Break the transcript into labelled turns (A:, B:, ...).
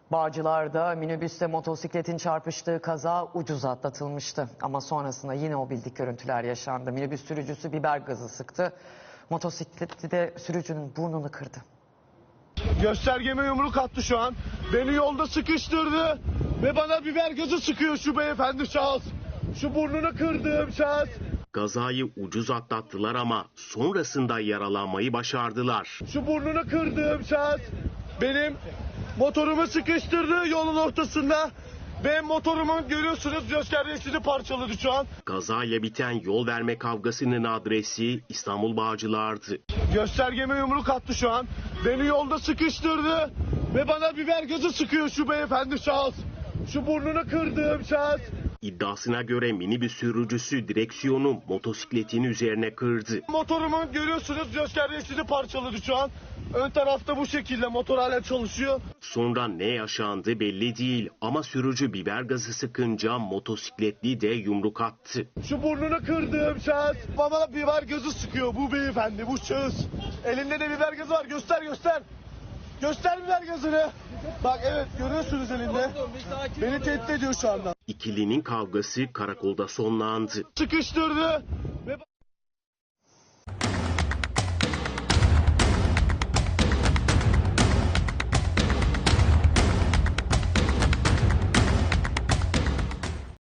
A: Bağcılar'da minibüsle motosikletin çarpıştığı kaza ucuz atlatılmıştı. Ama sonrasında yine o bildik görüntüler yaşandı. Minibüs sürücüsü biber gazı sıktı. Motosikleti de sürücünün burnunu kırdı.
B: Göstergeme yumruk attı şu an. Beni yolda sıkıştırdı ve bana biber gazı sıkıyor şu beyefendi şahıs. Şu burnunu kırdığım şahıs.
C: Kazayı ucuz atlattılar ama sonrasında yaralanmayı başardılar.
B: Şu burnunu kırdığım şahıs benim motorumu sıkıştırdı yolun ortasında. Ve motorumun görüyorsunuz göstergesini parçaladı şu an.
C: Kazayla biten yol verme kavgasının adresi İstanbul Bağcılar'dı.
B: Göstergeme yumruk attı şu an. Beni yolda sıkıştırdı ve bana biber gazı sıkıyor şu beyefendi şahıs. Şu burnunu kırdığım şahıs.
C: İddiasına göre minibüs sürücüsü direksiyonu motosikletin üzerine kırdı.
B: Motorumun görüyorsunuz göstergesini parçaladı şu an. Ön tarafta bu şekilde motor hala çalışıyor.
C: Sonra ne yaşandı belli değil ama sürücü biber gazı sıkınca motosikletli de yumruk attı.
B: Şu burnunu kırdığım şahıs bana biber gazı sıkıyor bu beyefendi, bu şahıs. Elinde de biber gazı var, göster göster. Göster biber gazını. Bak evet görüyorsunuz elinde. Beni tehdit ediyor şu anda.
C: İkilinin kavgası karakolda sonlandı.
B: Sıkıştırdı